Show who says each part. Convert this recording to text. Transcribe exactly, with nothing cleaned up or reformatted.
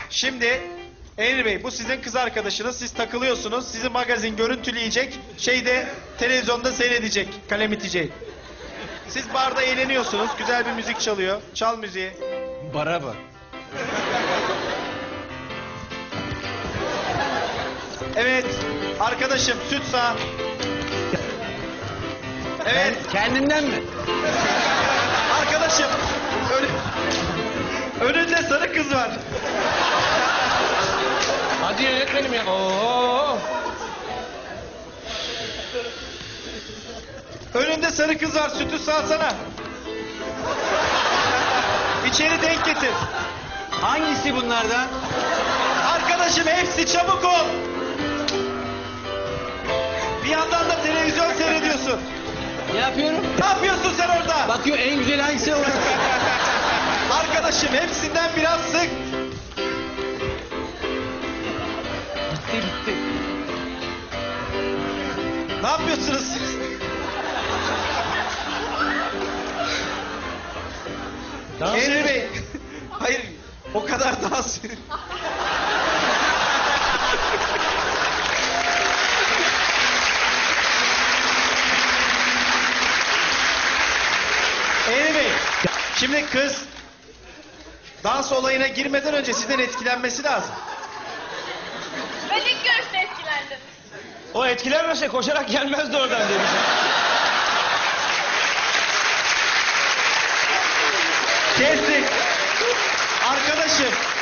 Speaker 1: Şimdi Emre Bey, bu sizin kız arkadaşınız. Siz takılıyorsunuz. Sizi magazin görüntüleyecek. Şeyde televizyonda seyredecek. Kalem itecek. Siz barda eğleniyorsunuz. Güzel bir müzik çalıyor. Çal müziği.
Speaker 2: Bara bak.
Speaker 1: Evet. Arkadaşım süt sağ. Evet.
Speaker 2: Kendinden mi?
Speaker 1: Arkadaşım. Ön... Önünde sarı kız var.
Speaker 2: Hadi yönetmenim ya. Oo.
Speaker 1: Önünde sarı kız var. Sütü sağsana. İçeri denk getir.
Speaker 2: Hangisi bunlardan?
Speaker 1: Arkadaşım hepsi, çabuk ol. Bir yandan da televizyon seyrediyorsun.
Speaker 2: Ne yapıyorum?
Speaker 1: Ne yapıyorsun sen orada?
Speaker 2: Bakıyor en güzel hangisi orası.
Speaker 1: Arkadaşım hepsinden biraz sık.
Speaker 2: Bitti bitti.
Speaker 1: Ne yapıyorsunuz siz? Emre Bey. Hayır. O kadar dans. Emre Bey. Şimdi kız dans olayına girmeden önce sizden etkilenmesi lazım.
Speaker 3: Ben ilk görüşte etkilendim.
Speaker 2: O etkilenmese koşarak gelmezdi oradan demiş.
Speaker 1: Kestik. Arkadaşım